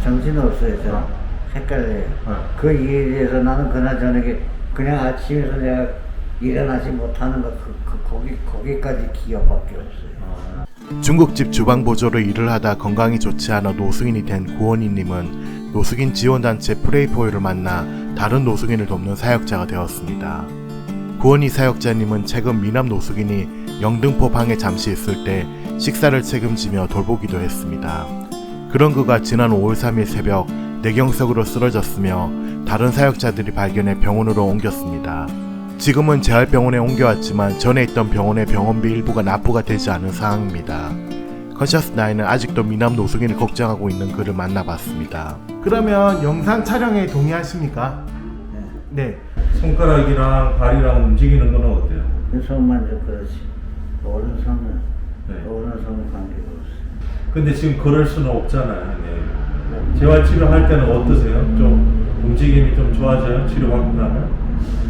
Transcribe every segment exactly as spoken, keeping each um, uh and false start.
정신없어요. 저 어. 헷갈려요. 어. 그 일에 대해서 나는 그날 저녁에 그냥 아침에서 내가 일어나지 못하는 거 그, 그, 거기, 거기까지 기억밖에 없어요. 중국집 주방보조로 일을 하다 건강이 좋지 않아 노숙인이 된 구원희님은 노숙인 지원단체 프레이포유를 만나 다른 노숙인을 돕는 사역자가 되었습니다. 구원희 사역자님은 최근 미남 노숙인이 영등포 방에 잠시 있을 때 식사를 책임지며 돌보기도 했습니다. 그런 그가 지난 오월 삼일 새벽 뇌경색으로 쓰러졌으며 다른 사역자들이 발견해 병원으로 옮겼습니다. 지금은 재활병원에 옮겨왔지만 전에 있던 병원의 병원비 일부가 납부가 되지 않은 상황입니다. 컨셔스나인은 아직도 미남 노숙인을 걱정하고 있는 그를 만나봤습니다. 그러면 영상 촬영에 동의하십니까? 네. 네. 손가락이랑 발이랑 움직이는 건 어때요? 그 손만 좀 그렇지. 오른손은, 네. 오른손은 관계가 없어요. 근데 지금 걸을 수는 없잖아요. 네. 재활치료 할 때는 어떠세요? 좀 움직임이 좀 좋아져요? 치료받고 나면?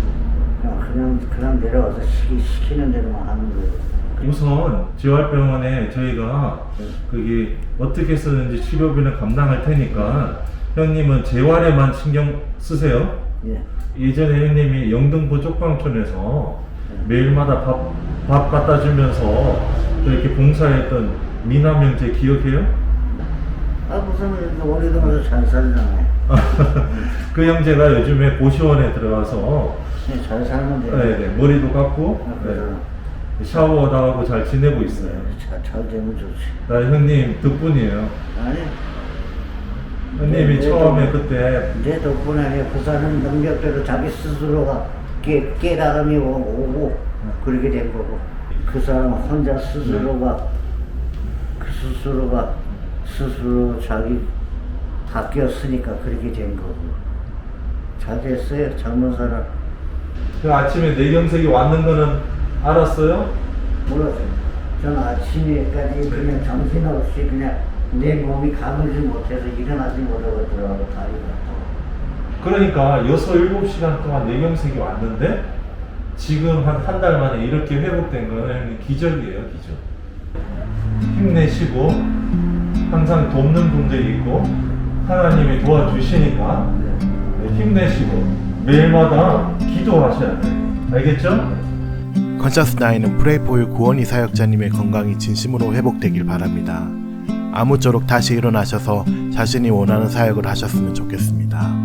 그냥, 그냥 내려와서 시키, 시키는 대로만 하는 거예요. 우선 재활병원에 저희가 네. 그게 어떻게 쓰는지 치료비는 감당할 테니까 형님은 재활에만 신경 쓰세요. 예. 예전에 형님이 영등포 쪽방촌에서 매일마다 밥, 밥 갖다 주면서 또 이렇게 봉사했던 미남 형제 기억해요? 아, 무슨, 우리도 무슨 잘 살잖아요. 그 형제가 요즘에 고시원에 들어가서 네, 잘 살면 돼요. 네, 네, 머리도 감고 아, 네, 그래서 샤워도 하고 잘 지내고 있어요. 잘, 잘 되면 좋지. 나 형님 덕분이에요. 아니, 형님이 네, 처음에 네, 그때 내 덕분에 아니라 그 사람 능력대로 자기 스스로가 깨, 깨달음이 오- 오고 그렇게 된 거고, 그 사람 혼자 스스로가 그 스스로가 스스로 자기 바뀌었으니까 그렇게 된 거고. 잘 됐어요. 젊은 사람. 그 아침에 뇌경색이 왔는 거는 알았어요? 몰랐어요. 저는 아침에까지 그냥 정신없이 그냥 내 몸이 가물지 못해서 일어나지 못하고 들어가고 다리가 아파요. 그러니까 여섯, 일곱 시간 동안 뇌경색이 왔는데 지금 한 한 달 만에 이렇게 회복된 거는 기적이에요, 기적. 힘내시고 항상 돕는 분들이 있고 하나님이 도와주시니까 힘내시고 매일마다 기도하셔야 돼요. 알겠죠? 컨셔스나인은 프레이포유 구원희 사역자님의 건강이 진심으로 회복되길 바랍니다. 아무쪼록 다시 일어나셔서 자신이 원하는 사역을 하셨으면 좋겠습니다.